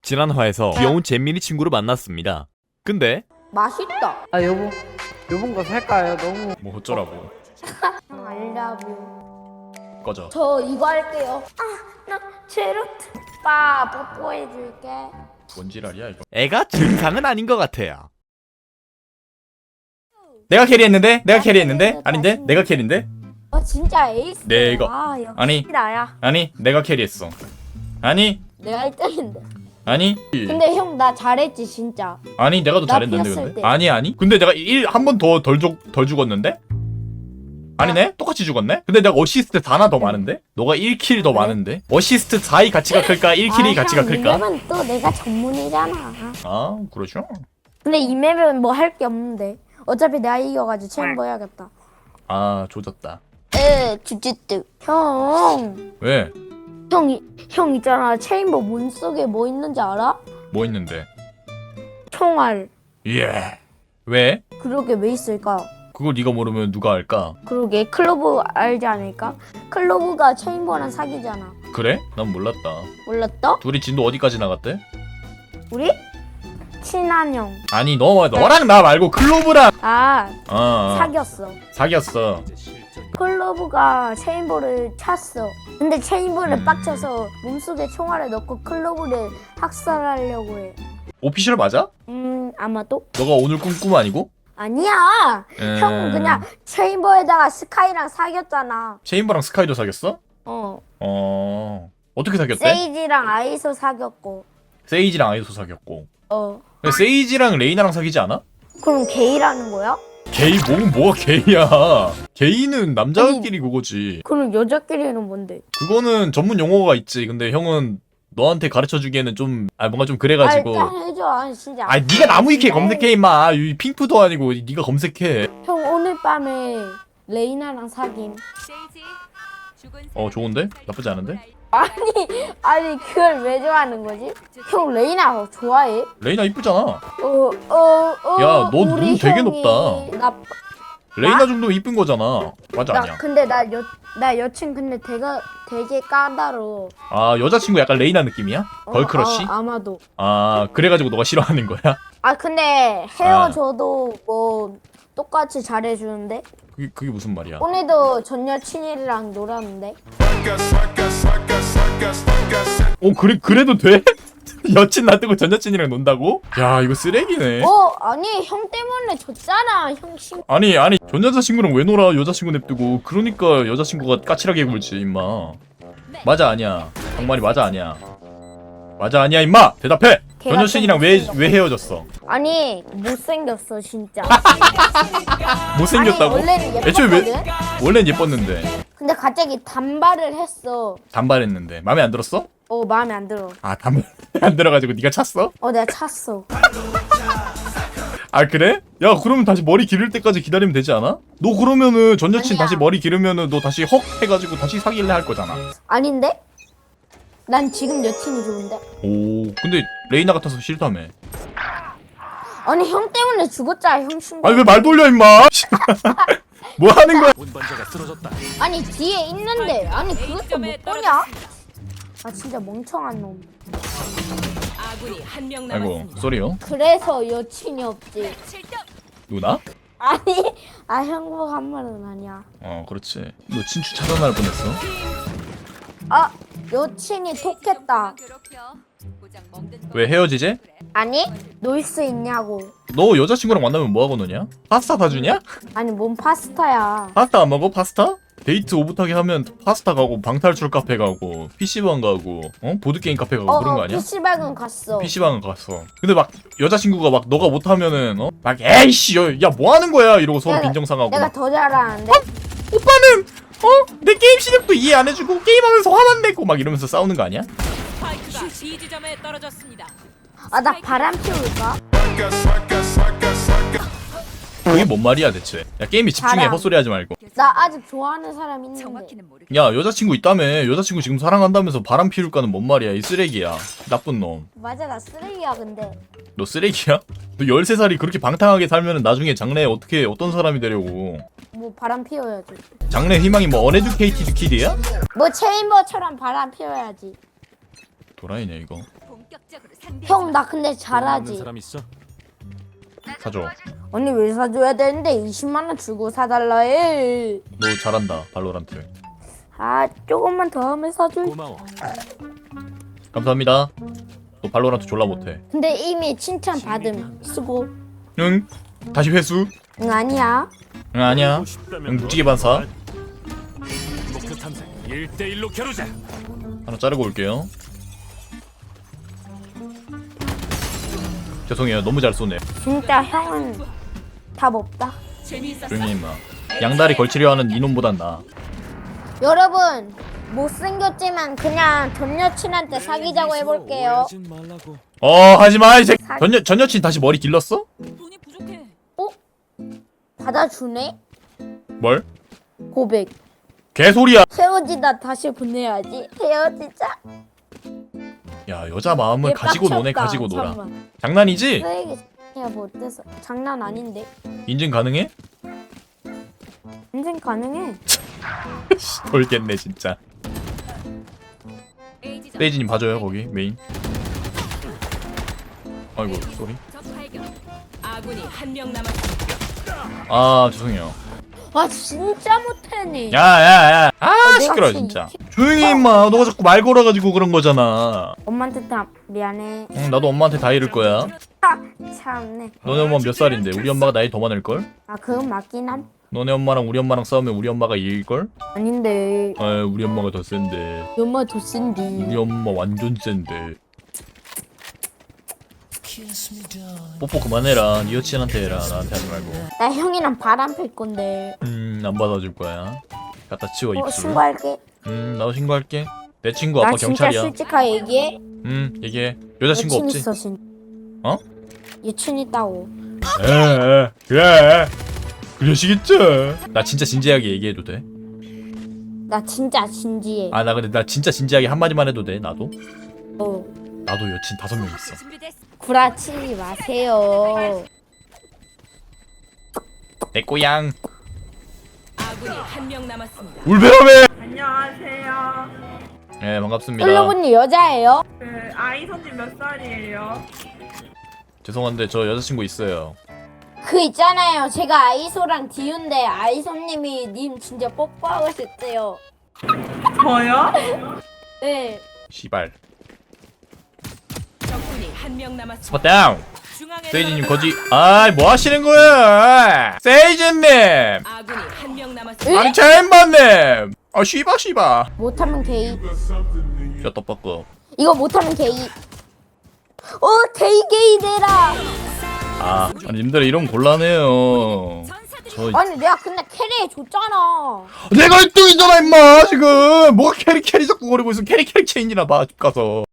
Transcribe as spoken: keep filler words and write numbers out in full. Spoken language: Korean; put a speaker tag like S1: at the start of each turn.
S1: 지난 화에서 귀여운 잼민이 친구를 만났습니다. 근데
S2: 맛있다.
S3: 아 여보, 요번 거 살까요? 너무
S1: 뭐 어쩌라고.
S2: 형 알라뷰.
S1: 꺼져.
S2: 저 이거 할게요. 아, 나 제로트. 오빠 뽀뽀해줄게.
S1: 뭔 지랄이야 이거. 애가 증상은 아닌 것 같아요. 내가 캐리했는데? 내가 캐리했는데? 아닌데? 내가 캐리인데?
S2: 어 진짜 에이스.
S1: 내가.
S2: 아, 역시
S1: 아니.
S2: 나야.
S1: 아니 내가 캐리했어. 아니
S2: 내가 일 등인데.
S1: 아니
S2: 근데 형 나 잘했지 진짜.
S1: 아니 내가 더
S2: 나
S1: 잘했는데
S2: 피었을
S1: 근데
S2: 때.
S1: 아니 아니 근데 내가 일 한 번 더 덜 덜 죽었는데? 아니네? 똑같이 죽었네? 근데 내가 어시스트 하나 더 많은데? 너가 일 킬 더
S2: 그래?
S1: 많은데? 어시스트 사의 가치가 클까? 일 킬이
S2: 아,
S1: 가치가
S2: 형, 이
S1: 클까?
S2: 맵은 또 내가 전문이잖아.
S1: 아 그러죠.
S2: 근데 이 맵은 뭐 할 게 없는데. 어차피 내가 이겨가지고 챔버 해야겠다.
S1: 아 조졌다.
S2: 에 주짓드. 형.
S1: 왜?
S2: 형, 이- 형 있잖아. 체인버 문 속에 뭐 있는지 알아?
S1: 뭐 있는데?
S2: 총알.
S1: 예. 왜?
S2: 그러게 왜 있을까?
S1: 그걸 네가 모르면 누가 알까?
S2: 그러게 클로브 알지 않을까? 클로브가 체인버랑 사귀잖아.
S1: 그래? 난 몰랐다.
S2: 몰랐어?
S1: 둘이 진도 어디까지 나갔대?
S2: 우리? 친한 형.
S1: 아니 너 너랑 나 말고 클로브랑
S2: 아
S1: 어
S2: 사귀었어.
S1: 사귀었어.
S2: 클로브가 체인버를 찼어. 근데 체인버를
S1: 음.
S2: 빡쳐서 몸속에 총알을 넣고 클로브를 학살하려고 해.
S1: 오피셜 맞아?
S2: 음 아마도?
S1: 너가 오늘 꿈꿈 아니고?
S2: 아니야.
S1: 음...
S2: 형 그냥 체인버에다가 스카이랑 사귀었잖아.
S1: 체인버랑 스카이도 사귀었어?
S2: 어.
S1: 어 어떻게 사귀었대?
S2: 세이지랑 아이소 사귀었고.
S1: 세이지랑 아이소 사귀었고.
S2: 어.
S1: 근데 세이지랑 레이나랑 사귀지 않아?
S2: 그럼 게이라는 거야?
S1: 게이 뭐 뭐가 게이야? 게이는 남자끼리 그거지.
S2: 그럼 여자끼리는 뭔데?
S1: 그거는 전문 용어가 있지. 근데 형은 너한테 가르쳐 주기에는 좀 아 뭔가 좀
S2: 아
S1: 그래가지고.
S2: 일단 해줘. 아 진짜.
S1: 아 네가 나무위키에
S2: 진짜.
S1: 검색해 임마. 이 핑프도 아니고 네가 검색해.
S2: 형 오늘 밤에 레이나랑 사귐.
S1: 어 좋은데? 나쁘지 않은데?
S2: 아니 아니 그걸 왜 좋아하는 거지? 형 레이나 좋아해?
S1: 레이나 이쁘잖아.
S2: 어어어.
S1: 야, 너 눈 되게 높다.
S2: 나,
S1: 레이나 정도면 이쁜 거잖아. 맞아
S2: 나
S1: 아니야?
S2: 근데 나 여 나 여친 근데 되게 되게 까다로워.
S1: 아 여자친구 약간 레이나 느낌이야?
S2: 어,
S1: 걸크러쉬?
S2: 어, 아마도.
S1: 아 그래가지고 너가 싫어하는 거야?
S2: 아 근데 헤어져도 뭐 똑같이 잘해주는데
S1: 그게, 그게 무슨 말이야?
S2: 오늘도 전 여친이랑 놀았는데.
S1: 어 그래 그래도 돼? 여친 놔두고 전 여친이랑 논다고? 야 이거 쓰레기네.
S2: 어 아니 형 때문에 졌잖아 형 심.
S1: 아니 아니 전 여자친구랑 왜 놀아? 여자친구 냅두고. 그러니까 여자친구가 까칠하게 굴지 임마. 맞아 아니야? 정말이 맞아 아니야? 맞아 아니야 임마? 대답해. 전
S2: 걔가
S1: 여친이랑
S2: 좀
S1: 왜
S2: 못생겼어.
S1: 왜 헤어졌어?
S2: 아니 못생겼어 진짜.
S1: 못생겼다고?
S2: 아니, 원래는
S1: 애초에 왜
S2: 예뻤거든?
S1: 원래는 예뻤는데
S2: 근데 갑자기 단발을 했어.
S1: 단발했는데 마음에 안 들었어?
S2: 어 마음에 안 들어.
S1: 아 단발 안 들어가지고 네가 찼어?
S2: 어 내가 찼어.
S1: 아 그래? 야 그러면 다시 머리 기를 때까지 기다리면 되지 않아? 너 그러면은 전 여친
S2: 아니야.
S1: 다시 머리 기르면은 너 다시 헉 해가지고 다시 사귈래 할 거잖아.
S2: 아닌데? 난 지금 여친이 좋은데.
S1: 오 근데 레이나 같아서 싫다며.
S2: 아니 형 때문에 죽었잖아 형 친구.
S1: 아니 왜 말 돌려 임마. 뭐 하는 거야?
S2: 아니 뒤에 있는데 아니 그것도 못 보냐? 아 진짜 멍청한 놈.
S4: 아군이 한 명
S1: 아이고
S4: 남았습니다.
S1: 쏘리요.
S2: 그래서 여친이 없지.
S1: 누나?
S2: 아니 아 행복한 말은 아니야.
S1: 어 그렇지. 너 친추 차단할 뻔했어.
S2: 아 여친이 톡했다.
S1: 왜 헤어지지?
S2: 아니 놀 수 있냐고.
S1: 너 여자친구랑 만나면 뭐하고 노냐? 파스타 사주냐?
S2: 아니 뭔 파스타야.
S1: 파스타 안 먹어? 파스타? 데이트 오붓하게 하면 파스타 가고 방탈출 카페 가고 피시방 가고 어? 보드게임 카페 가고
S2: 어,
S1: 그런 거
S2: 어
S1: 아니야?
S2: 피시방은 갔어.
S1: 피시방은 갔어. 근데 막 여자친구가 막 너가 못하면은 어? 막 에이씨 야 뭐하는 거야 이러고 서로
S2: 내가-
S1: 빈정상하고
S2: 내가
S1: 막,
S2: 더 잘하는데.
S1: 오빠는 어? 내 게임 실력도 이해 안 해주고 게임하면서 화만 내고 막 이러면서 싸우는 거 아니야?
S4: 스파이크가 B 지점에 떨어졌습니다.
S2: 아 나 바람 피울까?
S1: 그게 뭔 말이야 대체. 야 게임에 집중해.
S2: 자랑.
S1: 헛소리 하지 말고.
S2: 나 아직 좋아하는 사람 있는데.
S1: 야 여자친구 있다며. 여자친구 지금 사랑한다면서 바람 피울까는 뭔 말이야. 이 쓰레기야. 나쁜 놈.
S2: 맞아 나 쓰레기야 근데.
S1: 너 쓰레기야? 너 열세 살이 그렇게 방탕하게 살면은 나중에 장래에 어떻게 어떤 사람이 되려고.
S2: 뭐 바람 피워야지.
S1: 장래 희망이 뭐 어네듀케이티드 키드야?
S2: 뭐 체인버처럼 바람 피워야지.
S1: 도라이네 이거.
S2: 형 나 근데
S5: 없는
S2: 잘하지.
S5: 사람 있어?
S1: 사줘.
S2: 언니 왜 사줘야 되는데 이십만 원 주고 사달라 해.
S1: 너 잘한다 발로란트.
S2: 아 조금만 더 하면 사줄.
S5: 고마워.
S1: 감사합니다. 너 발로란트 졸라 못해.
S2: 근데 이미 칭찬 받음. 수고.
S1: 응? 다시 회수?
S2: 응 아니야.
S1: 응 아니야.
S5: 보고 싶다면
S1: 응 묵직이 반사.
S5: 목표 탐색 일 대 일로 겨루자.
S1: 하나 자르고 올게요. 죄송해요 너무 잘 쏘네.
S2: 진짜 형은 답 없다.
S4: 재미있었어.
S1: 조용히 임마. 양다리 걸치려 하는 이놈보단 나아.
S2: 여러분 못생겼지만 그냥 전 여친한테 사귀자고 해볼게요.
S5: 오해하진 말라고.
S1: 어 하지마 이 새끼. 전, 여, 전 여친 다시 머리 길렀어?
S4: 돈이 부족해.
S2: 받아주네.
S1: 뭘?
S2: 고백.
S1: 개소리야.
S2: 헤어지다 다시 보내야지. 헤어지자.
S1: 야 여자 마음을
S2: 얘
S1: 가지고 노네
S2: 빡쳤다.
S1: 가지고 놀아.
S2: 잠깐만.
S1: 장난이지?
S2: 쓰레기 야 못돼서 장난 아닌데.
S1: 인증 가능해?
S2: 인생 가능해.
S1: 돌겠네 진짜. 세이지님 봐줘요 거기 메인. 아이고 쏘리.
S4: 적 발견. 아군이 한 명 남았습니다.
S1: 아 죄송해요.
S2: 아 진짜 못하네.
S1: 야야야. 아
S2: 내가
S1: 시끄러
S2: 진-
S1: 진짜. 조용히 임마. 너가 자꾸 말 걸어가지고 그런 거잖아.
S2: 엄마한테 다 미안해.
S1: 응 나도 엄마한테 다 이럴 거야.
S2: 아 참네.
S1: 너네 엄마 몇 살인데? 우리 엄마가 나이 더 많을걸?
S2: 아 그건 맞긴 함.
S1: 너네 엄마랑 우리 엄마랑 싸우면 우리 엄마가 이길걸?
S2: 아닌데.
S1: 아 우리 엄마가 더 센데.
S2: 엄마 더 센디.
S1: 우리 엄마 완전 센데. 뽀뽀 그만해라. 네 여친한테 해라. 나한테 하지 말고.
S2: 나 형이랑 바람 필 건데.
S1: 음안 받아줄 거야. 갖다 치워
S2: 어
S1: 입술.
S2: 신고할게.
S1: 음 나도 신고할게. 내 친구
S2: 나
S1: 아빠
S2: 진짜
S1: 경찰이야.
S2: 솔직하게 얘기해.
S1: 음 얘기해. 여자친구
S2: 여친
S1: 없지?
S2: 있어 진.
S1: 어?
S2: 여친 있다고.
S1: 에 그래. 그러시겠죠. 나 진짜 진지하게 얘기해도 돼?
S2: 나 진짜 진지해.
S1: 아 나 근데 나 진짜 진지하게 한마디만 해도 돼? 나도?
S2: 어.
S1: 나도 여친 다섯 명 있어.
S4: 준비됐어.
S2: 구라치지 마세요.
S1: 내 꼬양.
S4: 아군이 한 명 남았습니다.
S1: 울베라베.
S6: 안녕하세요.
S1: 네 반갑습니다.
S2: 솔로분이 여자예요?
S6: 그 아이선님 몇 살이에요?
S1: 죄송한데 저 여자친구 있어요.
S2: 그 있잖아요. 제가 아이소랑 디운데 아이소님이 님 진짜 뽀뽀하고 싶대요.
S6: 저요?
S2: 네.
S1: 시발.
S4: 적군이 한 명 남았습니다.
S1: 스팟 다운.
S4: 중앙에
S1: 세이지님
S4: 떨어졌-
S1: 거지. 아이 뭐 하시는 거야? 세이지님.
S4: 아군이 한 명 남았습니다.
S1: 아니 챔버님. 아 쉬바 쉬바.
S2: 못하면 게이.
S1: 야 떡볶이.
S2: 이거 못하면 게이. 어 게이 게이 되라.
S1: 아 아니 님들 이런 곤란해요. 저
S2: 아니 내가 근데 캐리 줬잖아.
S1: 내가 일 등이잖아 임마 지금. 뭐가 캐리 캐리 자꾸 거리고 있어. 캐리 캐리 체인이나 봐 집 가서.